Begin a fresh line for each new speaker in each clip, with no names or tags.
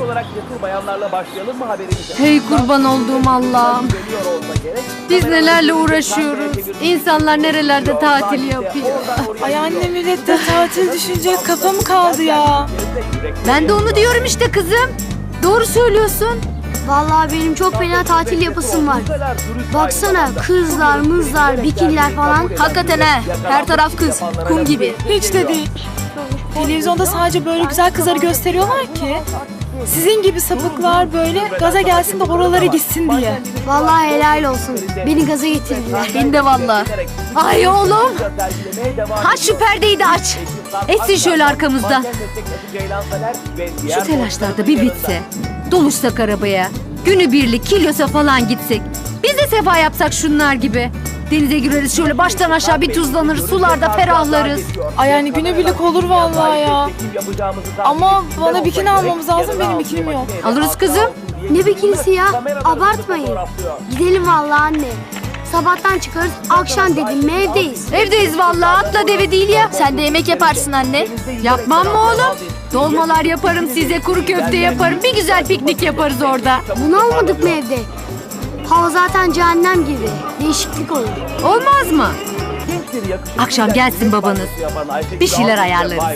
olarak cesur bayanlarla başlayalım mı haberimize?
Hey kurban olduğum Allah'ım. Biz nelerle uğraşıyoruz. İnsanlar nerelerde tatil yapıyor.
Ay anne, millette tatil düşünecek kafa mı kaldı ya?
Ben de onu diyorum işte kızım. Doğru söylüyorsun.
Vallahi benim çok fena tatil yapısım var. Baksana kızlar, mızlar, bikiniler falan.
Hakikaten he. Her taraf kız. Kum gibi.
Hiç de değil. Televizyonda sadece böyle güzel kızları gösteriyorlar ki sizin gibi sapıklar böyle gaza gelsin de oralara gitsin diye.
Vallahi helal olsun. Beni gaza getirdiler.
Ben de valla. Ay oğlum. Ha şu perdeyi de aç. Etsin şöyle arkamızda. Şu telaşlarda bir bitse. Doluşsak arabaya. Günübirlik Kilyos'a falan gitsek. Biz de sefa yapsak şunlar gibi. Denize gireriz şöyle baştan aşağı bir tuzlanırız. Sularda ferahlarız.
Ay yani günübirlik olur vallahi ya. Ama bana bikini almamız lazım, benim bikinim yok.
Alırız kızım.
Ne bikinisi ya? Abartmayın. Gidelim vallahi anne. Sabahtan çıkarız, akşam dedim mi evdeyiz.
Evdeyiz vallahi, atla deve değil ya. Sen de yemek yaparsın anne. Yapmam mı oğlum? Dolmalar yaparım size, kuru köfte yaparım. Bir güzel piknik yaparız orada.
Bunu almadık mı evde? Hava zaten cehennem gibi. Değişiklik olur.
Olmaz mı? Akşam gelsin babanız. Bir şeyler ayarlarız.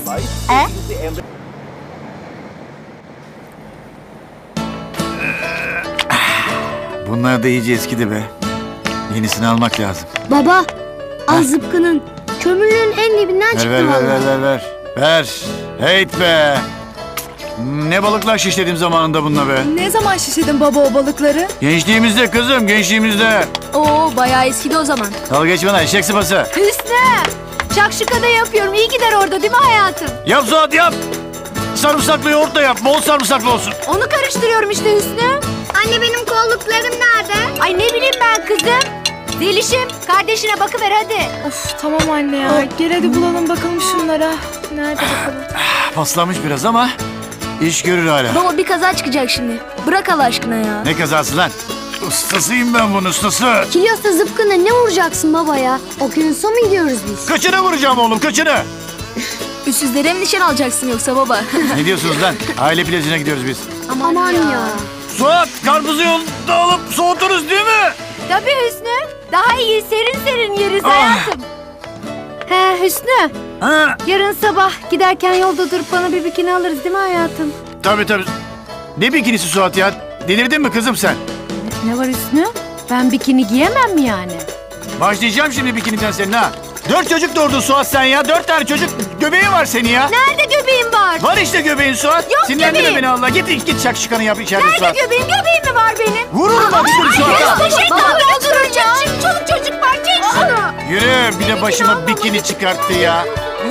Bunlar da iyice eskidi be. Yenisini almak lazım.
Baba, al zıpkının. Kömürlüğün en dibinden çıktı
Ver
vallahi.
ver. Heyt be. Ne balıklar şişledim zamanında bununla be.
Ne zaman şişedin baba o balıkları?
Gençliğimizde kızım, gençliğimizde.
Oo bayağı eskidi o zaman.
Dalga geçme lan, eşek sıpası.
Hüsnü! Şakşuka da yapıyorum. İyi gider orada değil mi hayatım?
Yap Suat yap. Sarımsaklı yoğurt da yap, bol sarımsaklı olsun.
Onu karıştırıyorum işte Hüsnü.
Anne benim kolluklarım nerede?
Ay ne bileyim ben kızım. Zelişim kardeşine bakıver hadi.
Of tamam anne ya. Gel hadi bulalım bakalım şunlara. Nerede bakalım?
Paslanmış biraz ama iş görür hala.
Baba bir kaza çıkacak şimdi. Bırak Allah aşkına ya.
Ne kazası lan? Ustasıyım ben bunun ustası.
Kilyos'ta zıpkına ne vuracaksın baba ya? Okyanusa mı gidiyoruz biz?
Kaçını vuracağım oğlum, kaçını?
Üstsüzlere mi nişan alacaksın yoksa baba?
Ne diyorsunuz lan? Aile plajına gidiyoruz biz.
Aman ya.
Suat, karpuzu yolda alıp soğuturuz değil mi?
Tabii Hüsnü. Daha iyi serin serin yeriz hayatım. He Hüsnü.
Ha,
Yarın sabah giderken yolda durup bana bir bikini alırız değil mi hayatım?
tabii. Ne bikinisi Suat ya? Delirdin mi kızım sen?
Ne var Hüsnü? Ben bikini giyemem mi yani?
Başlayacağım şimdi bikiniden senin ha. 4 çocuk doğurdun Suat sen ya. 4 tane çocuk göbeği var senin ya.
Nerede göbeğim var?
Var işte göbeğin Suat.
Yok
Sinirlendirme
göbeğim.
beni Allah. Git şakşukanı yap içeride
Nerede
Suat.
göbeğim? Göbeğim mi var benim?
Vururum bak şunu Suat'a.
Poşetle dolduracağım. Çoluk çocuk var. Çek şunu.
Yürü bir de başıma bikini çıkarttı ya.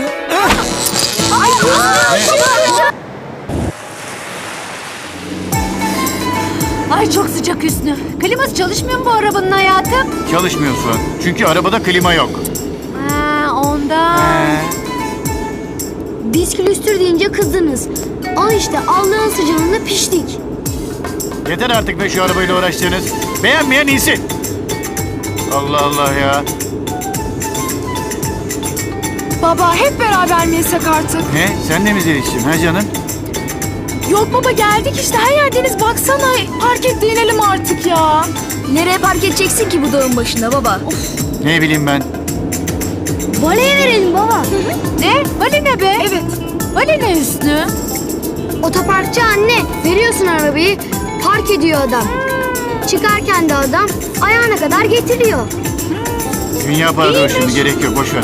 Ay çok sıcak Hüsnü. Kliması çalışmıyor mu bu arabanın hayatım?
Çalışmıyor Suat. Çünkü arabada klima yok.
Ha ondan.
Biz külüstür deyince kızdınız. Al işte Allah'ın sıcağında piştik.
Yeter artık be şu arabayla uğraştığınız. Beğenmeyen insin. Allah Allah ya.
Baba hep beraber mi yesek artık?
Ne? Sen de mi Zeliş'cim ha canım?
Yok baba, geldik işte, her yerdeniz baksana. Park et de inelim artık ya.
Nereye park edeceksin ki bu dağın başında baba?
Ne bileyim ben.
Valeye verelim baba.
Ne? Vali ne be?
Evet.
Vali ne Hüsnü?
Otoparkçı anne. Veriyorsun arabayı. Park ediyor adam. Çıkarken de adam ayağına kadar getiriyor.
Dünya paradır şimdi, gerek yok, boş ver.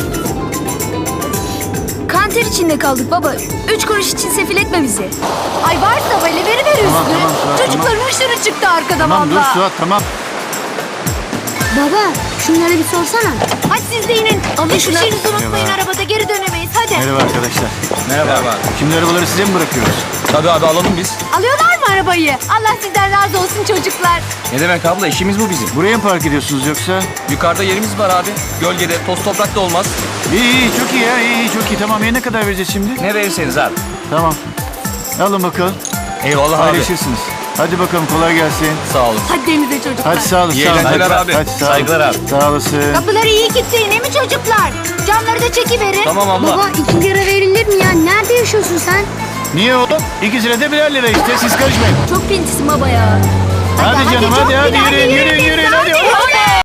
Kanter içinde kaldık baba. 3 kuruş için sefil etme bizi. Ay varsa vali veriver Hüsnü.
Tamam, Suat,
Çocukların hışırı çıktı arkada
Tamam dur
valla.
Suat tamam.
Baba şunlara bir sorsana.
Hadi siz de inin. Hiçbir şeyinizi unutmayın,
Merhaba.
arabada geri dönemeyiz hadi.
Merhaba arkadaşlar.
Merhaba.
Şimdi arabaları size mi bırakıyoruz?
Tabii abi, alalım biz.
Alıyorlar mı arabayı? Allah sizden razı olsun çocuklar.
Ne demek abla, işimiz bu bizim.
Buraya mı park ediyorsunuz yoksa?
Yukarıda yerimiz var abi. Gölgede, toz toprak da olmaz.
İyi çok iyi ya, iyi çok iyi. Tamam, ne kadar vereceğiz şimdi?
Ne verirseniz abi.
Tamam. Alın bakalım.
Eyvallah abi.
Paylaşırsınız. Hadi bakalım, kolay gelsin.
Sağ olun.
Hadi denize çocuklar.
Hadi sağ olun.
İyi
sağ olun.
eğlenceler
Hadi,
abi.
Hadi, sağ olun.
Saygılar abi.
Sağ olasın.
Kapıları iyi kilitleyin değil mi çocuklar? Camları da çekiverin.
Tamam abla.
Baba 2 lira verilir mi ya? Nerede yaşıyorsun sen?
Niye oğlum? İkisine de birer lira işte, siz karışmayın.
Çok pintisin baba ya.
Hadi canım, hadi yürüyün.